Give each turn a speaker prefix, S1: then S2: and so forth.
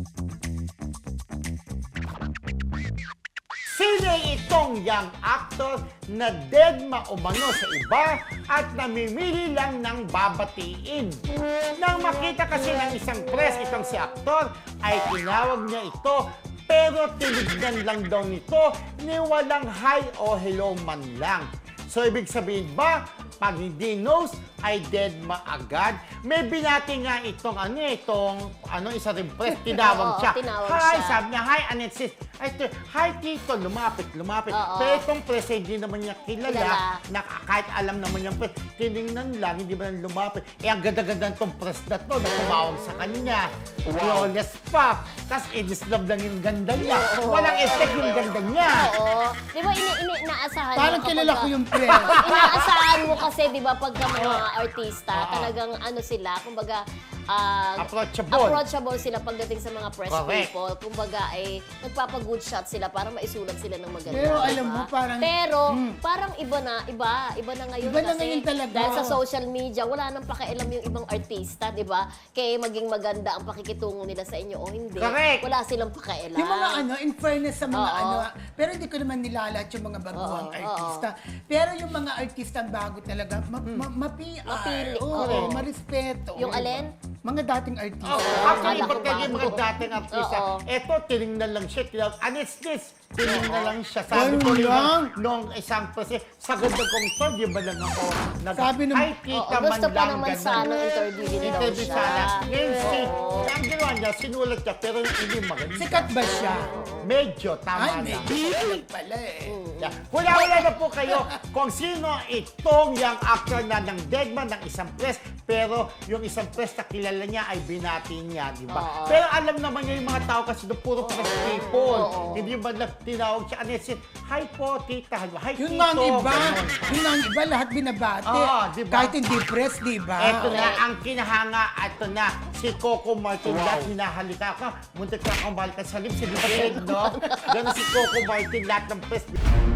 S1: Sino itong young actor na deadma umano sa iba at namimili lang ng babatiin? Nang makita kasi ng isang press itong si aktor, ay tinawag niya ito pero tinignan lang daw nito ni walang hi o hello man lang. So ibig sabihin ba, pag hindi knows, ay deadma agad? May binati nga itong isa rin press, tinawag
S2: Oo,
S1: siya.
S2: tinawag
S1: Hi,
S2: siya.
S1: sabi niya, hi, Anetsis. Ay, hi, Tito, lumapit.
S2: Oo.
S1: Pero itong press, hindi naman niya kilala.
S2: Kilala.
S1: Na, kahit alam naman niyang press, tinignan lang, hindi ba lumapit. Eh, ang ganda-ganda itong press na to, na tumawag sa kanya. Flawless pa. Tapos, i-disturb lang yung ganda niya.
S2: Oo.
S1: Walang effect yung ganda niya.
S2: Oo. Di ba inaasahan
S3: Parang
S2: mo
S3: kilala
S2: kapag-
S3: ko yung press.
S2: Inaasahan mo kasi, di ba, pagka mga artista, talagang ano sila, kumbaga, approachable sila pagdating sa mga press
S1: Correct.
S2: people. Kumbaga, ay nagpapa-good shot sila para maisulat sila ng maganda.
S3: Pero
S2: di
S3: alam
S2: ba?
S3: mo, parang-
S2: Pero, parang iba na ngayon.
S3: Iba na
S2: kasi
S3: ngayon talaga.
S2: Dahil sa social media, wala nang pakialam yung ibang artista, di ba? Kaya maging maganda ang pakikitungo nila sa inyo o hindi.
S1: Correct.
S2: Wala silang pakialam.
S3: Yung mga in fairness sa mga
S2: Oo.
S3: pero hindi ko naman nilalat yung mga baguhang
S2: Oo,
S3: artista. Pero yung mga artista bago talaga, ma-PR.
S2: Mapili.
S3: Oo,
S2: Oo.
S3: marespeto.
S2: Yung alin?
S3: Mga dating artista.
S1: Oh,
S2: Akala
S1: actually,
S2: ko
S1: iba kayo yung mga
S2: bago.
S1: dating artista.
S2: Oo.
S1: Eto, tinignan lang siya. Tinignan, tinignan lang siya. Sabi ko
S3: Ganun
S1: rin
S3: lang?
S1: nung isang kasi sa ganda kong to, di ba lang ako
S3: Sabi nung-
S1: ay, kita
S2: Oo,
S1: man
S2: gusto pa
S1: lang,
S2: naman
S1: ganun.
S2: sana interviewin daw
S1: Interview
S2: siya.
S1: sana. Ngayon,
S2: Oo.
S1: ang ginawa niya, sinulat niya, pero hindi maganda.
S3: Sikat ba siya?
S1: Medyo, tama
S3: Ay,
S1: lang.
S3: medyo sikat pala eh.
S1: Yeah. Wala na po kayo kung sino itong young actor na ng deadman ng isang press, pero yung isang press na kilala niya ay binati niya, di ba?
S2: Oo.
S1: Pero alam naman niya yung mga tao kasi doon puro press people.
S2: Oo.
S1: Hindi ba na tinawag siya, Anesit, hi po, tita, hi,
S3: Yun
S1: tito.
S3: nga ang iba.
S1: Ganon.
S3: Yun nga ang iba, lahat binabate.
S1: Oo, diba?
S3: Kahit hindi press, di ba?
S1: Eto na ang kinahanga, eto na, si Coco Martin, lahat hinahalika ka, muntik ka akong balikan sa lips, hindi ba no? Ganon si Coco Martin, lahat ng press.